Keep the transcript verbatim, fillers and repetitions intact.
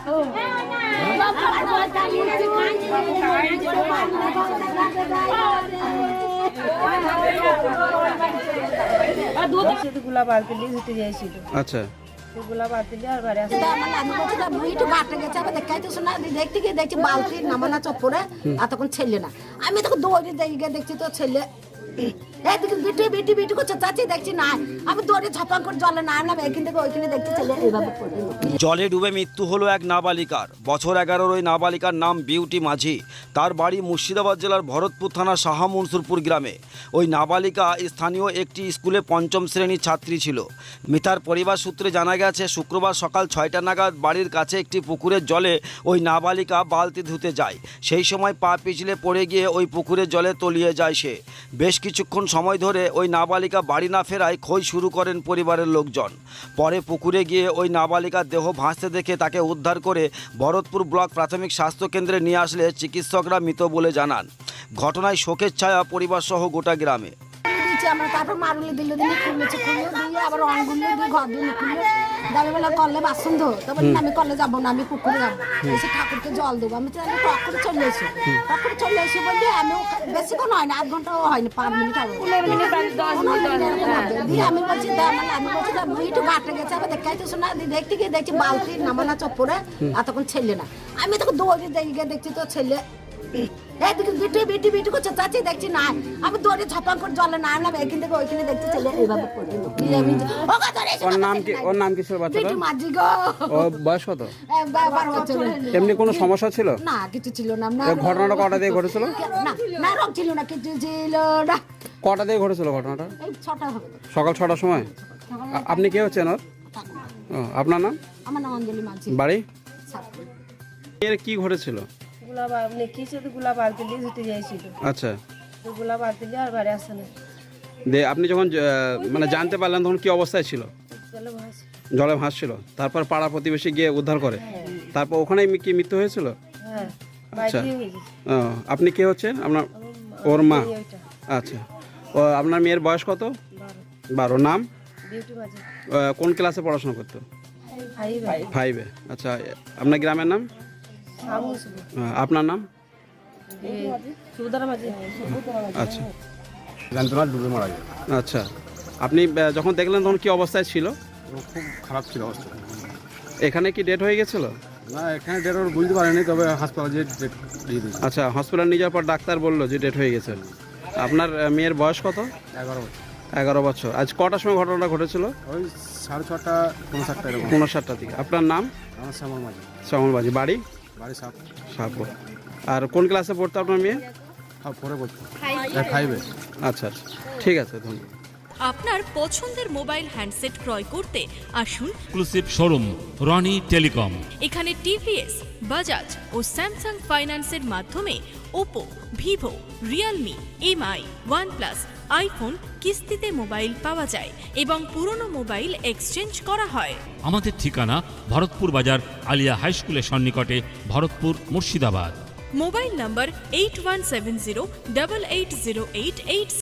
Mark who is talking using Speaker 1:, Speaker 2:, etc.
Speaker 1: গুলা বালতি নিয়ে ধুতে যাইছিল।
Speaker 2: আচ্ছা,
Speaker 1: গুলা বালতি নিয়ে আর বাড়ি আসে।
Speaker 3: দেখতে গিয়ে দেখছি বালতি নামানা চপ্পরে আর তখন ছেলে না, আমি তখন দৌড়ে দেখে দেখছি তো ছেলে এইদিকে বিটি বিটি বিটি করছে, চাচি দেখছি না, আমি দৌড়ে ঝপাং করে জলে না নামে এখান থেকে ওইখানে দেখছি ছেলে এইভাবে পড়ে।
Speaker 4: জলে ডুবে মৃত্যু হলো এক নাবালিকার। বছর এগারোর ওই নাবালিকার নাম বিউটি মাঝি। তার বাড়ি মুর্শিদাবাদ জেলার ভরতপুর থানার শাহ মনসুরপুর গ্রামে। ওই নাবালিকা স্থানীয় একটি স্কুলে পঞ্চম শ্রেণীর ছাত্রী ছিল। মিতার পরিবার সূত্রে জানা গেছে, শুক্রবার সকাল ছয়টা নাগাদ বাড়ির কাছে একটি পুকুরের জলে ওই নাবালিকা বালতি ধুতে যায়। সেই সময় পা পিছলে পড়ে গিয়ে ওই পুকুরের জলে তলিয়ে যায় সে। বেশ কিছুক্ষণ সময় ধরে ওই নাবালিকা বাড়ি না ফেরায় খোঁজ শুরু করেন পরিবারের লোকজন। পরে পুকুরে গিয়ে ওই নাবালিকার দেহ ভাসতে দেখে তাকে উদ্ধার করে ভরতপুর ব্লক প্রাথমিক স্বাস্থ্য কেন্দ্রে নিয়ে আসলে চিকিৎসকরা মৃত বলে জানান। ঘটনায় শোকের ছায়া পরিবার সহ গোটা গ্রামে।
Speaker 3: আমরা তারপর মারুলি দিল দিনে খুলেছে, খুলে দিয়ে আবার অনগুলো দিয়ে ঘর দিয়ে খুলে দাবি বেলা করলে বাসন ধো, তারপর আমি কলে যাবো না, আমি পুকুরে যাবো, এসে ঠাকুরকে জল দেবো। আমি টক করে চলে এসি, টক করে চলে এসি বললে আমি বেশিক্ষণ হয় না, আধ ঘন্টাও হয়নি, পাঁচ মিনিট হবে দিয়ে আমি বলছি মানে আমি বলছি একটু ঘাটে গেছে, আবার দেখাইতেছো না, দেখতে গিয়ে দেখছি বালতি নামানা চপ্পরে আর তখন ছেলে না, আমি তখন দৌড়ে দেখে দেখছি তো ছেলে এইদিকে বিটি বিটি বিটি করছে, চাচি দেখছি না, আমি দৌড়ে ঝপাং করে জলে না নামে এখান থেকে ওইখানে দেখছি ছেলে এইভাবে পড়ে।
Speaker 2: ওর নাম কি? ওর নাম কি ছিল বাচ্চাটা?
Speaker 3: মাঝি গো।
Speaker 2: ও বয়স কত?
Speaker 3: বারো বছর।
Speaker 2: এমনি কোনো সমস্যা ছিল
Speaker 3: না, কিছু ছিল না।
Speaker 2: এই ঘটনাটা কটা দিয়ে ঘটেছিল?
Speaker 3: না না, রোগ ছিল না, কিছু ছিল না।
Speaker 2: কটা দিয়ে ঘটেছিল ঘটনাটা?
Speaker 3: এই ছটা হবে।
Speaker 2: সকাল ছটার সময়। আ- আপনি কে হচ্ছেন ওর? ও, আপনার নাম?
Speaker 3: আমার নাম অঞ্জলি মাঝি।
Speaker 2: বাড়ি?
Speaker 3: সাতপুর।
Speaker 2: এর কি ঘটেছিল?
Speaker 1: গুলা বালতি কি সে গুলা বালতি নিয়ে ধুতে যাইছিল।
Speaker 2: আচ্ছা,
Speaker 1: গুলা বালতি নিয়ে আর বাড়ি আসে না।
Speaker 2: দে আপনি যখন আহ, মানে জানতে পারলেন তখন কি অবস্থায় ছিল?
Speaker 1: চলে ভাসে।
Speaker 2: জলে ভাসছিল, তারপর পাড়া প্রতিবেশী গিয়ে উদ্ধার করে, তারপর ওখানেই কি মৃত্যু হয়েছিল?
Speaker 1: হ্যাঁ,
Speaker 2: আচ্ছা,
Speaker 1: বাইরে হয়ে গেছে।
Speaker 2: ও, আপনি কে হচ্ছেন? আপনার ওর মা?
Speaker 1: এই ওইটা
Speaker 2: আচ্ছা, ও আপনার মেয়ের বয়স কত?
Speaker 1: বারো।
Speaker 2: বারো। নাম?
Speaker 1: বিউটি মাঝি।
Speaker 2: আহ, কোন ক্লাসে পড়াশোনা করতো?
Speaker 1: ভাই ভাই
Speaker 2: ফাইভে। আচ্ছা, আপনার গ্রামের নাম?
Speaker 1: সামু শুধু
Speaker 2: আহ, আপনার নাম?
Speaker 1: সুদার মাঝি।
Speaker 2: আচ্ছা
Speaker 5: জানতো না, ডুবে মারা যায়।
Speaker 2: আচ্ছা, আপনি আহ, যখন দেখলেন তখন কি অবস্থায় ছিল?
Speaker 5: ও খুব খারাপ ছিল অবস্থা।
Speaker 2: এখানে কি ডেট হয়ে গেছিল?
Speaker 5: না, এখানে ডেট ওর বুঝতে পারেনি, তবে হাসপাতালে যে ডেট দিয়ে দিয়েছে।
Speaker 2: আচ্ছা, হসপিটাল নিয়ে যাওয়ার পর ডাক্তার বললো যে ডেট হয়ে গেছে। আপনার আহ, মেয়ের বয়স কত?
Speaker 5: এগারো বছর।
Speaker 2: এগারো বছর। আজ কটার সময় ঘটনাটা ঘটেছিল?
Speaker 5: ওই সাড়ে ছটা পনেরো সাতটা এরকম।
Speaker 2: পনেরো সাতটার দিকে। আপনার নাম?
Speaker 5: আমার শ্যামল মাঝি,
Speaker 2: শ্যামলবাজি। বাড়ি?
Speaker 5: বাড়ি সাপ
Speaker 2: সাপুর। আর কোন ক্লাসে পড়তো আপনার মেয়ে?
Speaker 5: পরে বলতো ফাইভে।
Speaker 2: আচ্ছা আচ্ছা, ঠিক আছে, ধন্যবাদ।
Speaker 6: আপনার পছন্দের মোবাইল হ্যান্ডসেট ক্রয় করতে আসুন
Speaker 7: এক্সক্লুসিভ শোরুম রনি টেলিকম।
Speaker 6: এখানে টিভিএস, বাজাজ ও স্যামসাং ফাইন্যান্সের মাধ্যমে Oppo, Vivo, Realme, Mi, OnePlus, iPhone কিস্তিতে মোবাইল পাওয়া যায় এবং পুরনো মোবাইল এক্সচেঞ্জ করা হয়।
Speaker 7: আমাদের ঠিকানা ভরতপুর বাজার আলিয়া হাই স্কুলের সন্নিকটে, Bharatpur, Murshidabad.
Speaker 6: Mobile number eight one seven zero double eight zero eight eight